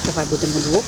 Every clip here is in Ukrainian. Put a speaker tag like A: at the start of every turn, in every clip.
A: Давай будемо двох.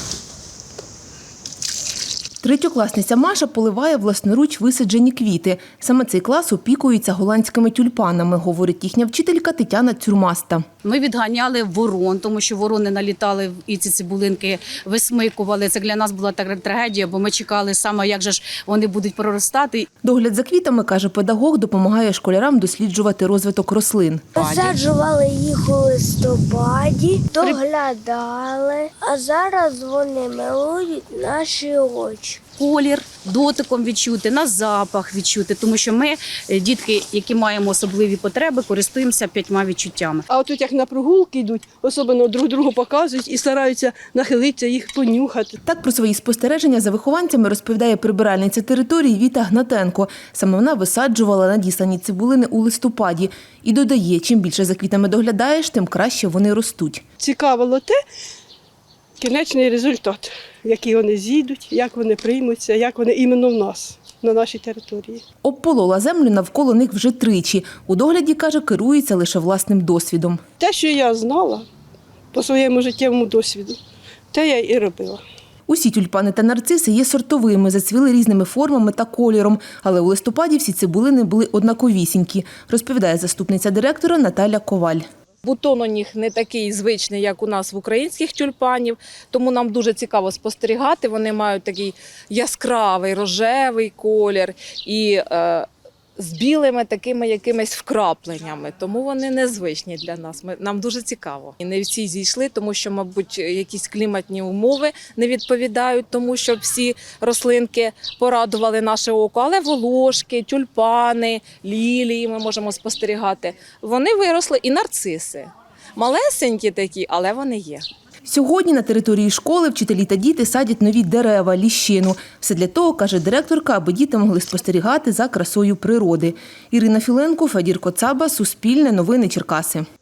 B: Третьокласниця Маша поливає власноруч висаджені квіти. Саме цей клас опікується голландськими тюльпанами, говорить їхня вчителька Тетяна Цюрмаста.
A: Ми відганяли ворон, тому що ворони налітали і ці цибулинки висмикували. Це для нас була така трагедія, бо ми чекали саме, як же ж вони будуть проростати.
B: Догляд за квітами, каже педагог, допомагає школярам досліджувати розвиток рослин.
C: Висаджували їх у листопаді, доглядали, а зараз вони милують наші очі.
A: Колір дотиком відчути, на запах відчути, тому що ми, дітки, які маємо особливі потреби, користуємося 5 відчуттями.
D: А отут як на прогулки йдуть, особливо друг другу показують і стараються нахилитися, їх понюхати.
B: Так про свої спостереження за вихованцями розповідає прибиральниця території Віта Гнатенко. Саме вона висаджувала надіслані цибулини у листопаді. І додає, чим більше за квітами доглядаєш, тим краще вони ростуть.
D: Цікавило те, кінечний результат, який вони зійдуть, як вони приймуться, як вони іменно в нас, на нашій території.
B: Обполола землю навколо них вже тричі. У догляді, каже, керується лише власним досвідом.
D: Те, що я знала по своєму життєвому досвіду, те я і робила.
B: Усі тюльпани та нарциси є сортовими, зацвіли різними формами та кольором. Але у листопаді всі цибулини були однаковісінькі, розповідає заступниця директора Наталя Коваль.
E: Бутон у них не такий звичний, як у нас в українських тюльпанів, тому нам дуже цікаво спостерігати. Вони мають такий яскравий, рожевий колір і з білими такими якимись вкрапленнями, тому вони незвичні для нас. Нам дуже цікаво. І не всі зійшли, тому що, мабуть, якісь кліматні умови не відповідають тому, щоб всі рослинки порадували наше око. Але волошки, тюльпани, лілії ми можемо спостерігати. Вони виросли, і нарциси. Малесенькі такі, але вони є.
B: Сьогодні на території школи вчителі та діти садять нові дерева, ліщину. Все для того, каже директорка, аби діти могли спостерігати за красою природи. Ірина Філенко, Федір Коцаба, Суспільне, Новини Черкаси.